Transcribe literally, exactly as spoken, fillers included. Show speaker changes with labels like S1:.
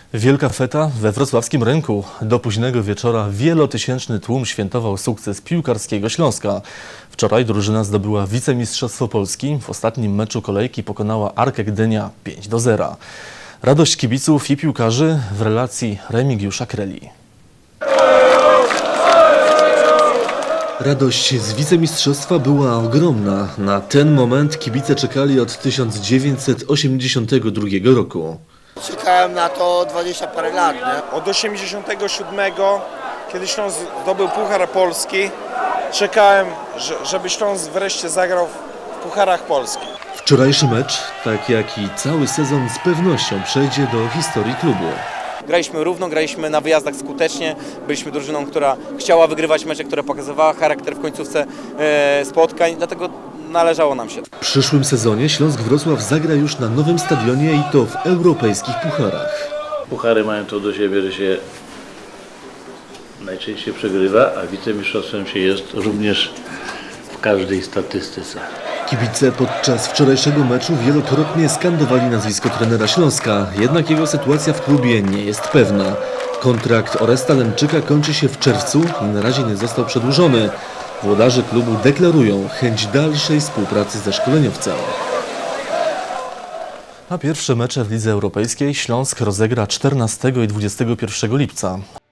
S1: Wielka feta we wrocławskim rynku. Do późnego wieczora wielotysięczny tłum świętował sukces piłkarskiego Śląska. Wczoraj drużyna zdobyła wicemistrzostwo Polski. W ostatnim meczu kolejki pokonała Arkę Gdynia pięć do zera. Radość kibiców i piłkarzy w relacji Remigiusza Kreli. Radość z wicemistrzostwa była ogromna. Na ten moment kibice czekali od tysiąc dziewięćset osiemdziesiątego drugiego roku.
S2: Czekałem na to dwadzieścia parę lat, nie?
S3: Od osiemdziesiątego siódmego, kiedy Śląsk zdobył Puchar Polski, czekałem, żeby Śląsk wreszcie zagrał w Pucharach Polski.
S1: Wczorajszy mecz, tak jak i cały sezon, z pewnością przejdzie do historii klubu.
S4: Graliśmy równo, graliśmy na wyjazdach skutecznie, byliśmy drużyną, która chciała wygrywać mecze, która pokazywała charakter w końcówce e, spotkań, dlatego należało nam się.
S1: W przyszłym sezonie Śląsk Wrocław zagra już na nowym stadionie i to w europejskich pucharach.
S5: Puchary mają to do siebie, że się najczęściej przegrywa, a wicemistrzostwem się jest również w każdej statystyce.
S1: Kibice podczas wczorajszego meczu wielokrotnie skandowali nazwisko trenera Śląska, jednak jego sytuacja w klubie nie jest pewna. Kontrakt Oresta Lemczyka kończy się w czerwcu i na razie nie został przedłużony. Włodarze klubu deklarują chęć dalszej współpracy ze szkoleniowcem. A pierwsze mecze w Lidze Europejskiej Śląsk rozegra czternastego i dwudziestego pierwszego lipca.